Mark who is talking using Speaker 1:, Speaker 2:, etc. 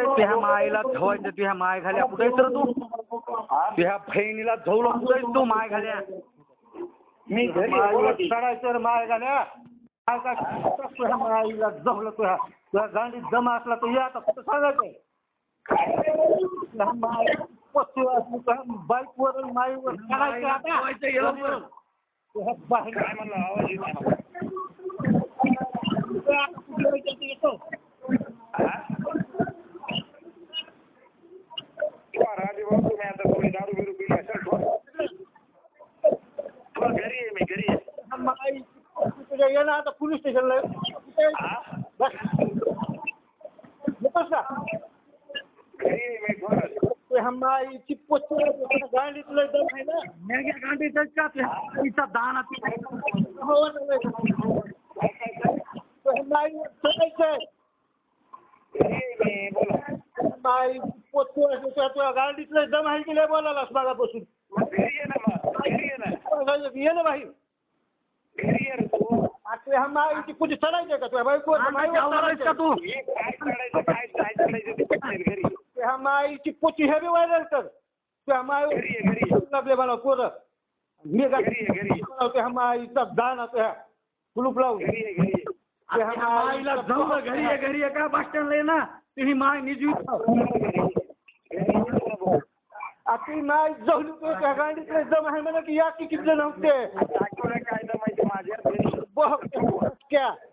Speaker 1: कुठे तुझ्या मायला धवायचं तुझ्या माय घाल्या कुठे तर तू तुझ्या बहिणीला झवलं कुठे तू माय घाल्या
Speaker 2: मी घरी चढायचं माय घाल्या काय काय तुझ्या माईला जवलं तुझ्या गांडीत जमा असला तर या आता कुठं सांगायचं माय पशु असली बाईकवर माईवर चढायचं आता तुझ्या बहिणी
Speaker 3: काय म्हणलं आवाज येत नाही मला. राजभाऊ तुम्ही आता थोडी दारू बिरू पिली असेल घरी आहे मी घरी आहे
Speaker 2: तुझ्या ये ना आता पोलीस स्टेशनला बस का
Speaker 3: घरी आहे मी थोडं
Speaker 2: माईची पोच गांडीत लय दम आहे ना
Speaker 1: मेघ्या गांडीचं का तिचा दाना
Speaker 2: हो माईवर चढायचंय
Speaker 3: मी बोला
Speaker 2: माई पोच तुझ्या गांडीत लय दम आहे की लय बोलायलास मागापासून
Speaker 3: घरी ये ना मग घरी ये ना
Speaker 2: ये ना बाई
Speaker 3: घरी ये रे तू
Speaker 2: आता माईची पूजा चढायचंय का तुझ्या बाईकवर
Speaker 1: का तू
Speaker 3: काय चढायचं काय काय चढायचं ते पटकन घरी
Speaker 2: तुझ्या माईची पोची हे बी व्हायरल कर तुझ्या माईवर
Speaker 3: घरी
Speaker 2: लागले मला पोरं मी
Speaker 3: घरी
Speaker 2: तुझ्या माईचा दाना तुझ्या कुलूप लावून
Speaker 3: घरी
Speaker 1: माईला जाऊ घरी आहे का बस स्टँडला ये ना तुझी माय निजवी
Speaker 2: आता माई जाऊन तुझ्या गांडीत जम आहे म्हणा की या की किती नव्हते
Speaker 3: काय तर माहिती माझ्या
Speaker 2: क्या